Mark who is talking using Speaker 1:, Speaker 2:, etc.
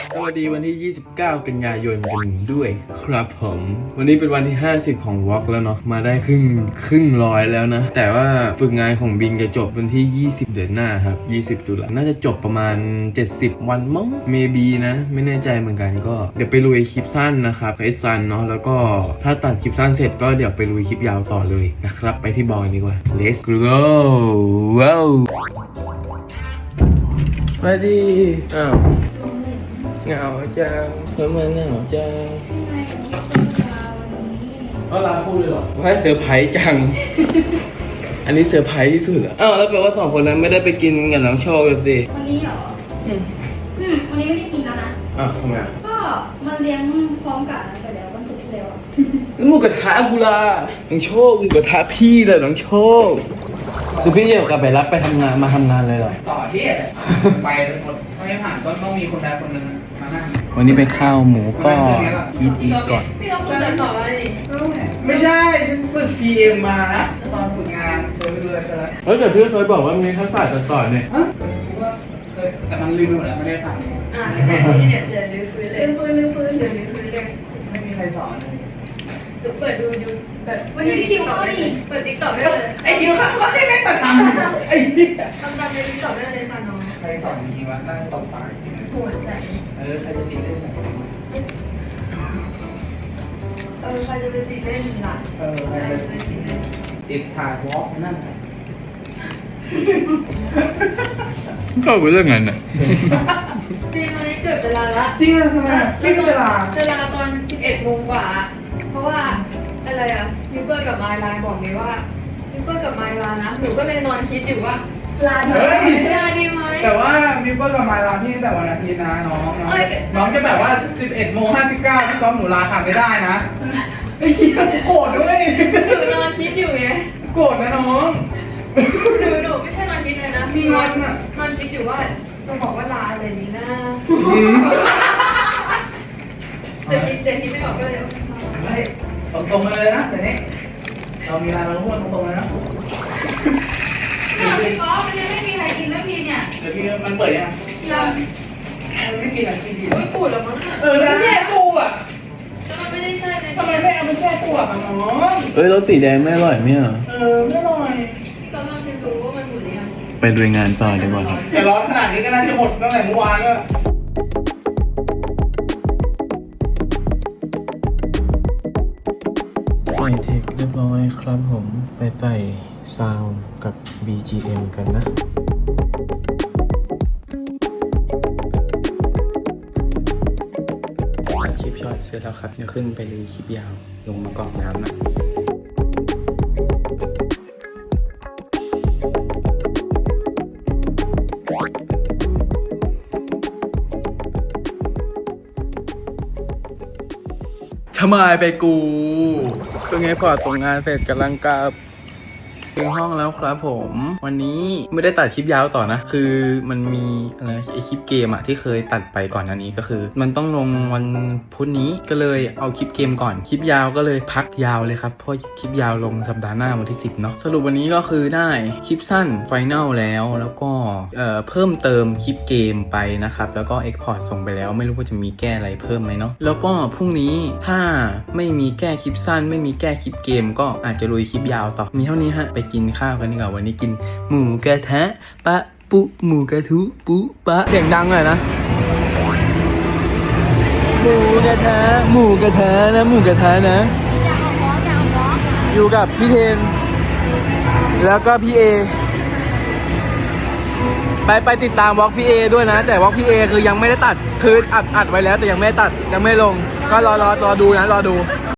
Speaker 1: สวัสดีวันที่ 29 กันยายนกันด้วยครับผมวันนี้เป็นวันที่ 50 ของวอล์กแล้วเนาะมาได้ครึ่งร้อยแล้วนะ แต่ว่าฝึกงานของบิงจะจบวันที่ 20 เดือนหน้าครับ 20 ตุลาน่าจะจบประมาณ 70 วันมั้ง maybe นะ ไม่แน่ใจเหมือนกันก็เดี๋ยวไปลุยคลิปสั้นนะครับเฟซซันเนาะแล้วก็ถ้าตัดคลิปสั้นเสร็จก็เดี๋ยวไปลุยคลิปยาวต่อเลยนะครับไปที่บอยดีกว่า let's go ว้าวมาดีอ้าวเหงาจังทำไมเหงาจังก็ลาพูดเลยเหรอว่าเซอร์ไพรส์จัง อันนี้เซอร์ไพรส์ที่สุดอ่ะอ้าวแล้วแปลว่า2 คนนั้นไม่ได้ไปกินกับน้องโชคเลยสิ
Speaker 2: วันนี้เหรอวันนี้ไม่ได้กินแล้วนะ
Speaker 1: อ้าวทำไม
Speaker 2: ก็มาเลี้ยงพร้อมกันไปแล้ววันศุกร์ที่แล้ว
Speaker 1: แล้วหมูกระทะกูล่ะน้องโชคหมูกระทะพี่เลยน้องโชคคือพี่จะกลับไปรับไปทำงานมาทำงานเลยเหรอ
Speaker 3: ต่อที่ไปหมดไม่ผ่านก็ต้องมีคนใดคนหนึ่งมานั่ง
Speaker 1: วันนี้ไปข้าวหมูก็อีทก่อน
Speaker 2: พี่ต้องพูดใจต่อแล้วดิ
Speaker 3: ไม่ใช่ฉันฝึก PM มานะตอนฝึกงานเคยไปดูอะไรซะแล้ว
Speaker 1: เฮ้ยแต่พี่เคยบอกว่ามีทักษะตัดต่อเนี่ย
Speaker 3: แต่มันลืมหมดแล้วไม่ได้ทำ
Speaker 2: เดี๋ยวลื้อฟื้นเลยลื้อฟื้นเดี๋ยวลื้อฟื้นเลย
Speaker 3: ไม่มีใครสอนเลย
Speaker 2: เปิดดูแบบวันนี้คิวเข้าดิเปิดติ๊กต็อกได้เลย
Speaker 3: ไอ้คิวเข้าก็ได้ไม่ตัดทำไอ้นี่
Speaker 2: ทำตามในติ๊กต็อกได้เลยค่ะน้อง
Speaker 3: ใครสอนจริงวะนั่งตบปาก
Speaker 2: หัวใจ
Speaker 3: ใครจะติดเล่น
Speaker 2: ใครจะไปติดเล่นล่ะ
Speaker 3: ใครจะไปติดเล่นติดถ่ายวอล์กนั่น
Speaker 1: ก็เป็นเรื่องนั้นน่ะ
Speaker 2: จริงวันนี้เกิดเวลาละ
Speaker 3: จริงเหรอทำไมไม่เวลา
Speaker 2: ตอน 11 โมงกว่าเพราะว่าอะไรอ่ะมิเปอร์กับไมล์ไลน์บอกเลยว่ามิเปอร์กับไมล์ไลน์นะหนูก็เลยนอนคิดอยู่ว่าลาดีไหม
Speaker 3: แต่ว่ามิเปอร์กับไมล์ลาที่แต่วันอาทิตย์นะน้องจะแบบว่า 11:59ที่ซ้อมหนูลาขาดไม่ได้นะไอ้เหี้ยโกรธด้วย
Speaker 2: หนูนอนคิดอยู่ไง
Speaker 3: โกรธนะน้อง
Speaker 2: หนูไม่ใช่นอนคิดเลยนะนอนคิดอยู่ว่าจะบอกว่าลาอะไรนี้นะแต่คิดไม่ออกก็เลย
Speaker 3: ตรงๆเลยนะเดี๋ยวนี้เรามีอะไรเราพูดตรงๆเลยนะ
Speaker 2: พี่ก๊อฟมันยังไม่มีใครกินสักทีเนี่ย
Speaker 3: เดี๋ยวพี่มันเปิดยังไม่กินอะไรกินดี
Speaker 2: ไม่ปูดหรอมั้ง
Speaker 3: แล้วแช่ตู้อ่ะ
Speaker 2: แล้วมันไม่ได้ใช่เลย
Speaker 3: ทำไมไม่เอาไปแช่ตู้อ่ะน้อง
Speaker 1: รสสีแดงไม่อร่อยไหมอ่ะ
Speaker 3: ไม่อร่อย
Speaker 2: พี่ก๊อฟลองชิมดูว่ามันหมดหรือยัง
Speaker 1: ไปดูงานต่อดีกว่า
Speaker 3: แต่ร้อนขนาดนี้ก็น่าจะหมดตั้งแต่เมื่อวานแล้ว
Speaker 1: ใส่เทคเรียบร้อยครับผมไปใส่ซาวด์กับ BGM กันนะตัดคลิปช็อตเสร็จแล้วครับเดี๋ยวขึ้นไปเลยคลิปยาวลงมากรอกน้ำนะทำไมไปกูตรงนี้พอตรงงานเสร็จกำลังกลับถึงห้องแล้วครับผมวันนี้ไม่ได้ตัดคลิปยาวต่อนะคือมันมีอะไรไอคลิปเกมอะที่เคยตัดไปก่อนหน้านี้ก็คือมันต้องลงวันพุธนี้ก็เลยเอาคลิปเกมก่อนคลิปยาวก็เลยพักยาวเลยครับเพราะคลิปยาวลงสัปดาห์หน้าวันที่10เนาะสรุปวันนี้ก็คือได้คลิปสั้นไฟแนลแล้วก็เพิ่มเติมคลิปเกมไปนะครับแล้วก็เอ็กพอร์ตส่งไปแล้วไม่รู้ว่าจะมีแก้อะไรเพิ่มไหมเนาะแล้วก็พรุ่งนี้ถ้าไม่มีแก้คลิปสั้นไม่มีแก้คลิปเกมก็อาจจะลุยคลิปยาวต่อมีเท่านี้ฮะไปกินข้าวกันดีกว่าวันนี้กินหมูกระทะปะปุหมูกระทุปุปะเสียงดังหน่อยนะหมูกระทะนะหมูกระทะนะอยู่กับพี่เทนแล้วก็พี่เอไปติดตามวอล์กพี่เอด้วยนะแต่วอล์กพี่เอคือยังไม่ได้ตัดคืออัดไว้แล้วแต่ยังไม่ได้ตัดยังไม่ลงก็รอดูนะรอดู